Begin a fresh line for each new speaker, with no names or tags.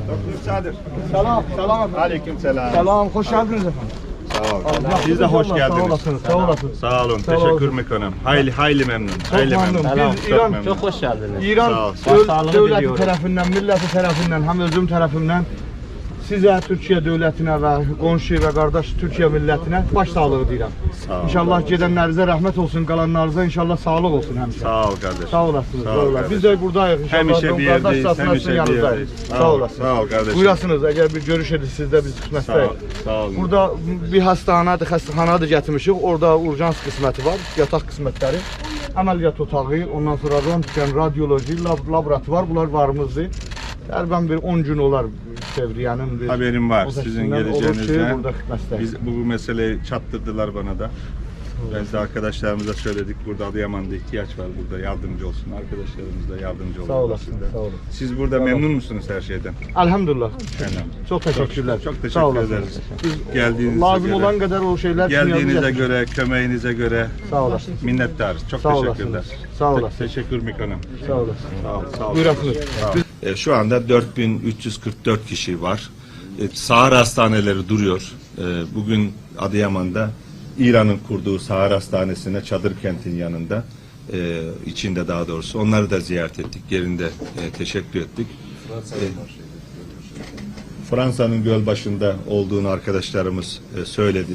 Doktor Sadır.
Selam, selam efendim.
Aleyküm selam.
Selam, hoş geldiniz efendim.
Sağ olun.
Allah
Siz de hoş geldiniz.
Sağ olasınız, sağ olasınız.
Sağ olun.
Sağ
Teşekkür
olasın.
mekanım. Hayli memnun.
Çok
Hayli
memnun.
memnun.
Biz
Çok
İran,
memnun.
Çok hoş geldiniz.
İran
Sağ ol.
devleti
diliyorum.
tarafından, milleti tarafından, hem özüm tarafından size, Türkiye devletine ve komşu ve kardeş Türkiye milletine baş sağlığı dilerim.
Sağ ol.
İnşallah gidenlerinize rahmet olsun, kalanlarınıza inşallah sağlık olsun hemşire.
Sağ ol kardeşim.
Sağ olasınız.
Sağ ol
Sağ olasınız.
kardeşim.
Biz de buradayız inşallah.
Hemişe bir
Kardeş
yerdeyiz.
safhasının
Hemişe bir
yanındayız.
yerdeyiz.
Sağ olasınız.
Sağ ol kardeşim.
Buyurasınız, eğer bir görüşedik sizde biz
Sağ ol.
kısmetdeyiz.
Sağ olun.
Burada bir xəstəxanadır gətirmişik. Orada urjans qisməti var, yataq qismətləri, əməliyyat otağı, ondan sonra röntgen, radyoloji, laboratuvar, bunlar varımızdır. Təqribən bir 10 gün olar Sevriye'nin bir
Haberim var
o
sizin
seçimler olur ki,
geleceğinizden.
burada xidmətdəyik.
Biz bu meseleyi çattırdılar bana da. Biz de arkadaşlarımıza söyledik. Burada Adıyaman'da ihtiyaç var. Burada yardımcı olsun. Arkadaşlarımız da yardımcı olsun.
Sağ olasın, sağ olun.
Siz burada memnun musunuz her şeyden?
Elhamdülillah.
Yani.
Çok teşekkürler.
Çok
Sağ
teşekkür
olasınız.
ederiz.
Biz
Geldiğinize
lazım
göre.
olan kadar o şeyler için
Geldiğinize
yapacağız.
göre, kömeğinize göre
Sağ olasınız.
minnettarız. Çok
Sağ
teşekkürler.
olasınız. Sağ olasınız.
Teşekkür Mikan'ım.
Sağ olasın.
Sağ ol. Sağ ol.
Buyurasınız.
Şu anda 4344 kişi var. Sahar hastaneleri duruyor. Bugün Adıyaman'da İran'ın kurduğu Sahar Hastanesi'ne çadır kentin yanında, içinde daha doğrusu. Onları da ziyaret ettik. Yerinde teşekkür ettik. Fransa'nın göl başında olduğunu arkadaşlarımız söylediler.